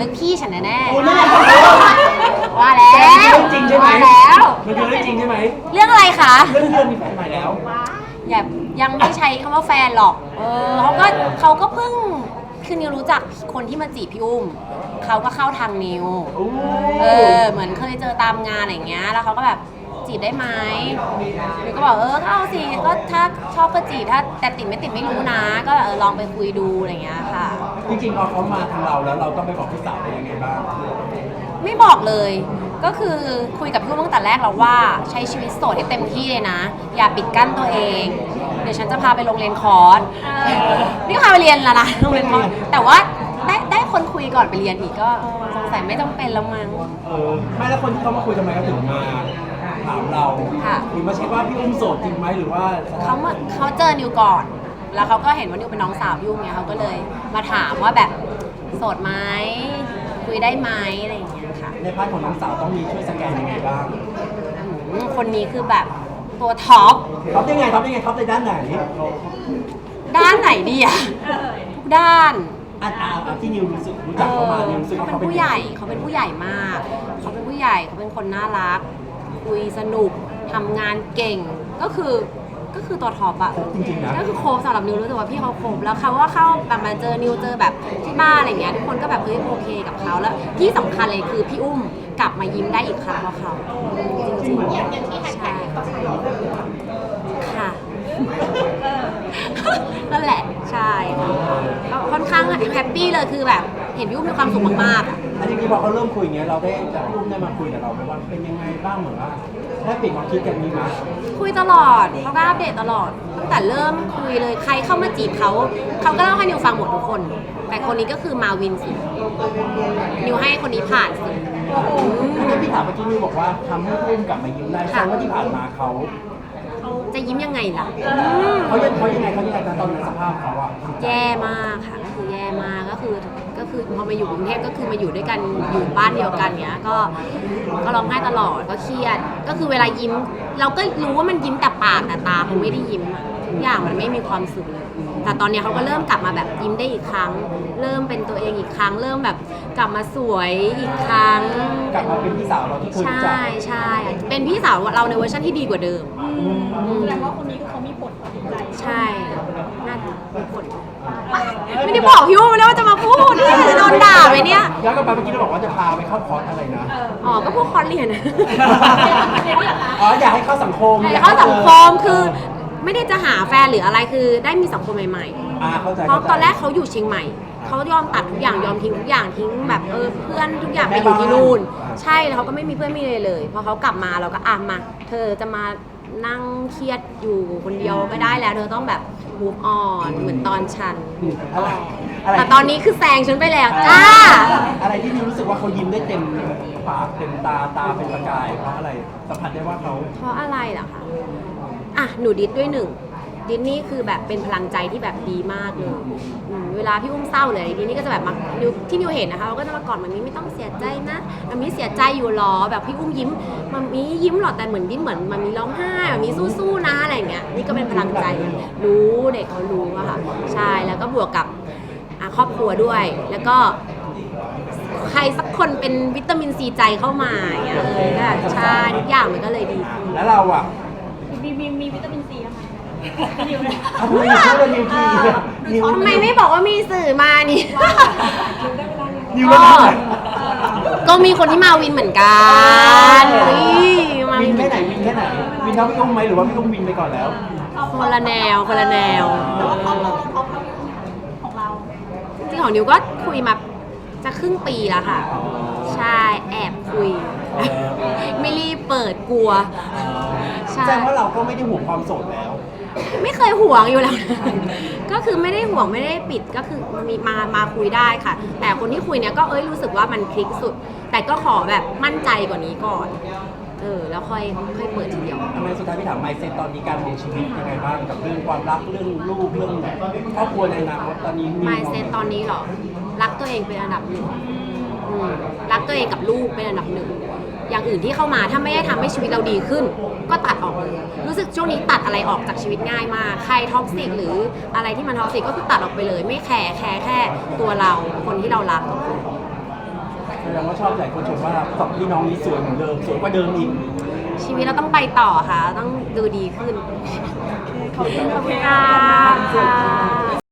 นึกพี่ฉันแน่คุณไม่ได้ๆว่าแล้วเรื่องจริงใช่ไหมว่าแล้วมันคือเรื่องจริงใช่ไหมเรื่องอะไรคะเรื่องมีแฟนใหม่แล้วอย่ายังไม่ใช้คำว่าแฟนหรอกเขาก็เพิ่งคือนิวรู้จักคนที่มาจีบพี่อุ้มเขาก็เข้าทางนิวเหมือนเคยเจอตามงานอะไรอย่างเงี้ยแล้วเขาก็แบบจีบได้ไหมนิวก็บอกก็เอาสิก็ถ้าชอบก็จีบถ้าแต่ติดไม่ติดไม่รู้นะก็ลองไปคุยดูอะไรอย่างเงี้ยค่ะจริงๆพอเขามาทางเราแล้วเราต้องไปบอกพี่สาวได้ยังไงบ้างไม่บอกเลย ก็คือคุยกับพี่อุ้มตั้งแต่แรกแล้วว่าใช้ชีวิตโสดให้เต็มที่เลยนะ อย่าปิดกั้นตัวเอง เดี๋ยวฉันจะพาไปโรงเรียนคอร์สนี่พาไปเรียนแล้วนะโรงเรียนคอร์สแต่ว่าได้คนคุยก่อนไปเรียนอีกก็สงสัยไม่จำเป็นแล้วมั้งไม่แล้วคนที่เขามาคุยทำไมเขาถึงมาถามเราค่ะหรือมาเช็คว่าพี่อุ้มโสดจริงไหมหรือว่าเขาเจอนิวก่อน แล้วเขาก็เห็นว่านิวเป็นน้องสาวพี่อุ้มเนี่ยเขาก็เลยมาถามว่าแบบโสดไหมคุยได้ไหมอะไรอย่างเงี้ยค่ะในพาร์ทของน้องสาวต้องมีช่วยสแกนยังไงบ้างคนนี้คือแบบตัวท็อปท็อปยังไงท็อปยังไงท็อปในด้านไหนด้านไหนดีอะทุกด้านที่นิวรู้จักเขามานิวรู้สึกเขาว่าเป็นเขาเป็นผู้ใหญ่เขาเป็นผู้ใหญ่มาก เขาเป็นผู้ใหญ่เขาเป็นคนน่ารัก คุยสนุกทำงานเก่งก็คือตัวท็อปอะจริงๆนะก็คือโคฟสำหรับนิวรู้สึกว่าพี่เขาโคฟแล้วเขาว่าเข้าแบบมาเจอนิวเจอแบบที่บ้านอะไรเงี้ยทุกคนก็แบบโอเคกับเขาแล้วที่สำคัญเลยคือพี่อุ้มกลับมายิ้มได้อีกครั้งเพราะเขาจริงๆอย่างที่แฮชแท็กค่ะ นั่นแหละใช่ก็ค่อนข้างแฮปปี้เลยคือแบบเห็นพี่อุ้มมีความสุขมากๆอ่ะอันนี้พอเขาเริ่มคุยอย่างเงี้ยเราได้จากพี่อุ้มได้มาคุยกับเราไหมว่าเป็นยังไงบ้างเหมือนว่าได้เปลี่ยนความคิดกันมีไหมคุยตลอดเขาก็อัปเดตตลอดตั้งแต่เริ่มคุยเลยใครเข้ามาจีบเขาก็เล่าให้นิวฟังหมดทุกคน แต่คนนี้ก็คือมาวินสุดนิวให้คนนี้ผ่านสุดที่พี่ถามเมื่อกี้นิวบอกว่าทำให้พี่อุ้มกลับมายิ้มได้แสดงว่าที่ผ่านมาเขาจะยิ้มยังไงล่ะเขายังไงตอนนั้นสภาพเขาอะแย่มากค่ะก็คือแย่มากก็คือพอมาอยู่กรุงเทพก็คือมาอยู่ด้วยกันอยู่บ้านเดียวกันเนี้ยก็ร้องไห้ตลอดก็เครียดก็คือเวลายิ้ม เราก็รู้ว่ามันยิ้มแต่ปากแต่ตาเขาไม่ได้ยิ้มอะทุกอย่างมันไม่มีความสุขเลยแต่ตอนเนี้ยเขาก็เริ่มกลับมาแบบยิ้มได้อีกครั้ง เริ่มเป็นตัวเองอีกครั้ง เริ่มแบบกลับมาสวยอีกครั้งกลับมาเป็นพี่สาวเราที่เคยรู้จักใช่เป็นพี่สาวเราในเวอร์ชันที่ดีกว่าเดิมแสดงว่าคนนี้คือเขามีผลต่อจิตใจใช่น่าจะมีผลไม่ได้บอกพี่อุ้มเลยว่าจะมาพูดเนี่ยจะโดนด่าไหมเนี่ยย้อนกลับไปเมื่อกี้เราบอกว่าจะพาไปเข้าคอร์สอะไรนะอ๋อ ก็พวกคอร์สเรียนนะอ๋ออยากให้เข้าสังคมแต่เข้าสังคมคือไม่ได้จะหาแฟนหรืออะไรคือได้มีสังคมใหม่เข้าใจๆ เพราะตอนแรกเขาอยู่เชียงใหม่ เขายอมตัดทุกอย่างยอมทิ้งทุกอย่างทิ้งแบบเพื่อนทุกอย่างไปอยู่ที่นู่น ใช่แล้วเขาก็ไม่มีเพื่อนไม่เลยเลยพอเขากลับมาเราก็มาเธอจะมานั่งเครียดอยู่คนเดียวไม่ได้แล้วเธอต้องแบบ move on เหมือนตอนฉัน แต่ตอนนี้คือแซงฉันไปแล้วจ้าอะไรที่นิวรู้สึกว่าเขายิ้มได้เต็มปากเต็มตาเป็นประกายเพราะอะไรสัมผัสได้ว่าเขาเพราะอะไรเหรอคะหนูดิสด้วยหนึ่งดิสนี่คือแบบเป็นพลังใจที่แบบดีมากเลยเวลาพี่อุ้มเศร้าเลยดิสนี่ก็จะแบบมาที่นิวเห็นนะคะเขาก็จะมากอดมันนี้ไม่ต้องเสียใจนะมันมีเสียใจอยู่หรอแบบพี่อุ้มยิ้มมันมียิ้มหรอแต่เหมือนยิ้มเหมือนมันมีร้องไห้มันมีสู้ๆนะอะไรอย่างเงี้ยนี่ก็เป็นพลังใจรู้เด็กเขารู้อะค่ะใช่แล้วก็บวกกับครอบครัวด้วย แล้วก็ใครสักคนเป็นวิตามินซีใจเข้ามาอย่างเงี้ยก็ใช่ทุกอย่างมันก็เลยดีขึ้นแล้วเราอ่ะมีวิตามินซีนะคะทำไมอยู่ช่วยเรานิวทีนิวทำไมไม่บอกว่ามีสื่อมานี่นิวไม่ได้ก็มีคนที่มาวินเหมือนกันวินแค่ไหนวินเท่าพี่อุ้มไหมหรือว่าพี่อุ้มวินไปก่อนแล้วคนละแนวคนละแนวของเราจริงๆของนิวก็คุยมาจะครึ่งปีแล้วค่ะ ใช่แอบคุย ไม่รีบเปิดกลัว ใช่แสดงว่าเราก็ไม่ได้ห่วงความโสดแล้วไม่เคยห่วงอยู่แล้วนะ ก็คือไม่ได้ห่วงไม่ได้ปิดก็คือมาคุยได้ค่ะ แต่คนที่คุยเนี่ยก็รู้สึกว่ามันคลิกสุด แต่ก็ขอแบบมั่นใจกว่านี้ก่อน แล้วค่อยเปิดทีเดียวทำไมสุดท้ายพี่ถามไมเซ็ตตอนนี้การดำเนินชีวิตยังไงบ้างกับเรื่องความรักเรื่องลูกเรื่องครอบครัวในอนาคตตอนนี้ mindset ตอนนี้เหรอ รักตัวเองเป็นอันดับหนึ่งรักตัวเองกับลูกเป็นอันดับหนึ่งอย่างอื่นที่เข้ามาถ้าไม่ได้ทำให้ชีวิตเราดีขึ้น ก็ตัดออกเลยรู้สึกช่วงนี้ตัดอะไรออกจากชีวิตง่ายมากใครท็อกซิกหรืออะไรที่มันท็อกซิกก็คือตัดออกไปเลย ไม่แคร์แค่ตัวเราคนที่เรารักแสดงว่าชอบหลายคนชมว่าสองพี่น้องนี้สวยเหมือนเดิมสวยกว่าเดิมอีกชีวิตเราต้องไปต่อค่ะ ต้องดูดีขึ้นขอบคุณขอบคุณค่ะค่ะ